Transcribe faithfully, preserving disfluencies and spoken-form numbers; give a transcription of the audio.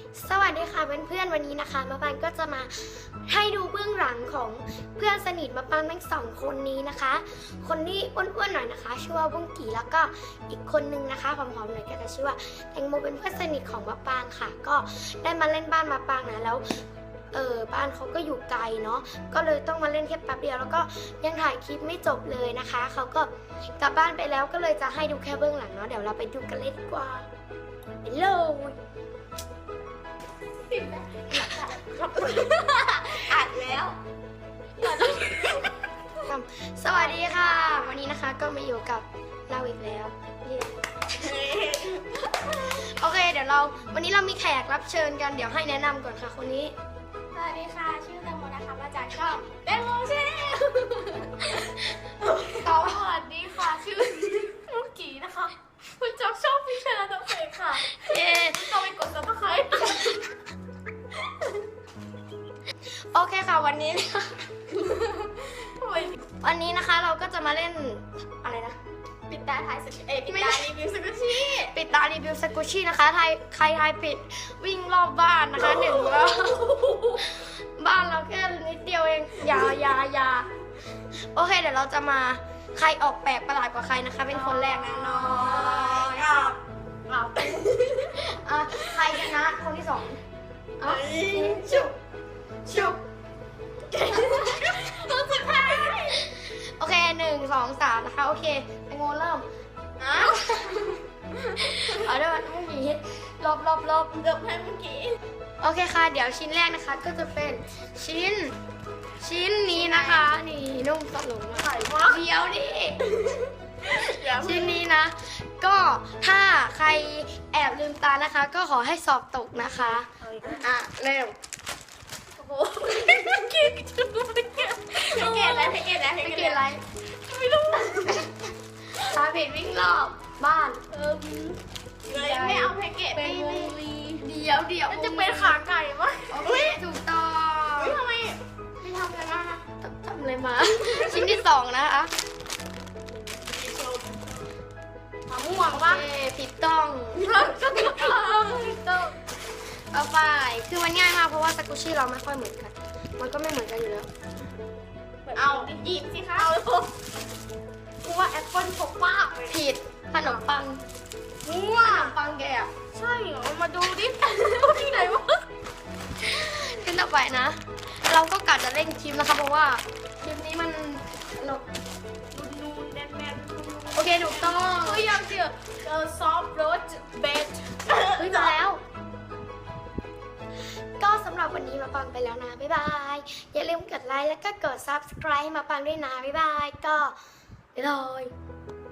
สวัสดีค่ะเพื่อนๆวันนี้นะคะมะปางก็จะมาให้ดูเบื้องหลังของเพื่อนสนิทมะปางทั้งสองคนนี้นะคะ คนที่อ้วนๆหน่อยนะคะชื่อว่าบุ้งกี่แล้วก็อีกคนนึงนะคะผอมๆหน่อยก็จะชื่อว่าแตงโมเป็นเพื่อนสนิทของมะปางค่ะก็ได้มาเล่นบ้านมะปางนะแล้วเออบ้านเขาก็อยู่ไกลเนาะก็เลยต้องมาเล่นแค่แป๊บเดียวแล้วก็ยังถ่ายคลิปไม่จบเลยนะคะเขาก็กลับบ้านไปแล้วก็เลยจะให้ดูแค่เบื้องหลังเนาะเดี๋ยวเราไปดูกันเลยดีกว่าไปเลยอัดแล้วสวัสดีค่ะ วันนี้นะคะก็มาอยู่กับเราอีกแล้วโอเคเดี๋ยวเราวันนี้เรามีแขกรับเชิญกันเดี๋ยวให้แนะนำก่อนค่ะคนนี้สวัสดีค่ะ ชื่อแตงโมนะคะ มาจากช่องแตงโมชาแนลสวัสดีค่ะ ชื่อลูกกีนะคะคุณจอบชอบพี่ชนะตัวเองค่ะเย้ต้องไปกดซับสไครต์โอเคค่ะวันนี้ วันนี้นะคะเราก็จะมาเล่นอะไรนะปิดตาทายสกุเอยปิดตารีวิวสกุชี่ปิดตารีวิวสกูชี่นะคะใครใครทายผิดวิ่งรอบบ้านนะคะหนึ่งรอบบ้านเราแค่นิดเดียวเองอยาอยาอยาโอเคเดี๋ยวเราจะมาใครออกแปลกประหลาดกว่าใครนะคะ เป็นคนแรกนะน้อยอ่ะอ่ะใครชนะคนที่สองอ่ะชุบชุบสุดท้ายโอเคหนึ่งสองสามนะคะโอเคแตงโมเริ่มอ่ะเอาด้วยมันเมื่อกี้ลบลบลบเกือบให้เมื่อกี้โอเคค่ะเดี๋ยวชิ้นแรกนะคะก็จะเป็นชิ้น ชิ้นนี้นะคะนี่นุ่มสลงมาไข่มากเดียวดิอย่าชิ้นนี้นะ ก็ถ้าใครแอบลืมตานะคะ ก็ขอให้สอบตกนะคะอ่ะเริ่มโอ้โหเกลียดจุดไม่เกลียดไม่เกลียดอะไรไม่เกลียดอะไรไม่เกี่ยวอะไรไม่รู้ทาผิดวิ่งรอบบ้านเออเลยไม่เอาแพ็กเกจเป็นไม่วไม่งลีเดียวเดียวมันจะเป็นขาไก่มั้ยโอเคถูกต้องเฮ้ยทำไมไม่ทำอะไรมาคะทำอะไรมา ชิ้นที่สองนะคะมะม่วงโอปะเคผิดต้องก็ต้องต้องต่อไปคือมันง่ายมากเพราะว่าสกูชี่เราไม่ค่อยเหมือนกัน มันก็ไม่เหมือนกันอยู่แล้วเอาหยิบสิคะเอากูว่าแอปเปิ้ลพกป้าไปผิดขนมปังมั่วขนมปังแกอะใช่เหรอมาดูดิที่ไหนวะขึ้นต่อไปนะ เราก็กะจะเร่งคลิปนะคะเพราะว่าคลิปนี้มันหนกนูนแน่นแน่นโอเคถูกต้องเฮ้ยยังเจียเออซอฟต์โรสเบดเฮ้ยมาแล้ว ก็สำหรับวันนี้มาปังไปแล้วนะ บ๊ายบาย อย่าลืมกดไลค์แล้วก็กด ซับสไครบ์ ให้มาปังด้วยนะ บ๊ายบาย ก็บ๊ายบาย